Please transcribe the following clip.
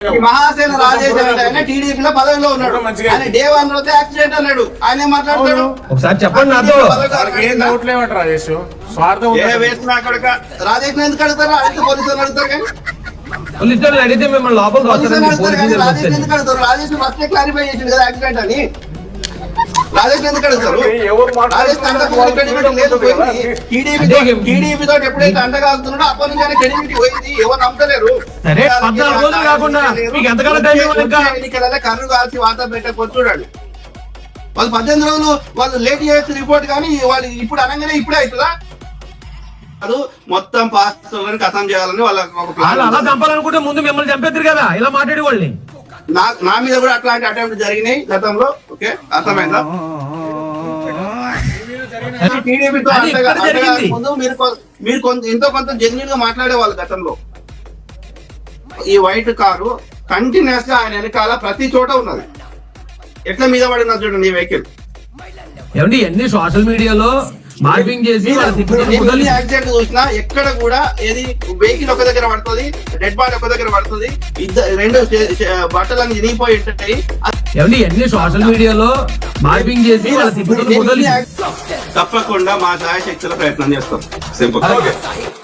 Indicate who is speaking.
Speaker 1: మహాసేన రాజేష్ ఆయన టీడీపీలో పదవిలో ఉన్నాడు. ఆయన డే 1 రోజే యాక్సిడెంట్ అన్నాడు. ఆయన మాట్లాడతాడు.
Speaker 2: ఒకసారి చెప్పండి నాతో.
Speaker 1: రాజేష్ ఎందుకు అడుగుతారు? అడిగితే పోలీసులు అడుగుతారు కానీ
Speaker 2: పోలీసులు అడిగితే మిమ్మల్ని లోపల
Speaker 1: రాజేష్ ఎందుకు అడుగుతారు? రాజేష్ ఫస్ట్ క్లారిఫై చేసిండు కదా యాక్సిడెంట్ అని. రాజేష్ ఎందుకు అడుగుతారు? రాజేష్ టీడీపీ తోటి ఎప్పుడైతే అండగాగుతున్నాడో అప్పటి నుంచి ఆయన క్రెడిబిలిటీ పోయింది. ఎవరు నమ్మలేరు. ఎన్నికలలో కర్రు కాల్చి వార్త పెట్టకొచ్చుడాడు. వాళ్ళు 18 రోజులు వాళ్ళు లేట్ చేసిన రిపోర్ట్ కానీ వాళ్ళు ఇప్పుడు అనగానే ఇప్పుడే అవుతుందా? అది మొత్తం పాస్టర్లను కథం చేయాలని వాళ్ళ
Speaker 2: అలా చంపాలనుకుంటే ముందు మిమ్మల్ని చంపేద్దరు కదా ఇలా మాట్లాడే వాళ్ళని.
Speaker 1: నా మీద కూడా అట్లాంటి అటెంప్ట్ జరిగినాయి గతంలో. ఓకే, అర్థమైందా? టీడీపీతో ముందు మీరు ఎంతో కొంత జెన్యున్ గా మాట్లాడేవాళ్ళు గతంలో. ఈ వైట్ కారు కంటిన్యూస్ గా ఆయన వెనకాల ప్రతి చోట ఉన్నది. ఎట్లా మీద పడినా చూడండి ఈ వెహికల్.
Speaker 2: ఏమండి ఎన్ని సోషల్ మీడియాలో మార్పింగ్ చేసి
Speaker 1: యాక్సిడెంట్ చూసినా ఎక్కడ కూడా ఏది వెహికల్ ఒక దగ్గర పడుతుంది, డెడ్ బాడీ ఒక దగ్గర పడుతుంది, రెండు బట్టలన్నీ చినిగిపోయి ఉంటాయి.
Speaker 2: ఏమండి ఎన్ని సోషల్ మీడియాలో మార్పింగ్ చేసి
Speaker 1: తప్పకుండా మా శాయశక్తుల ప్రయత్నం చేస్తాం. సింపుల్.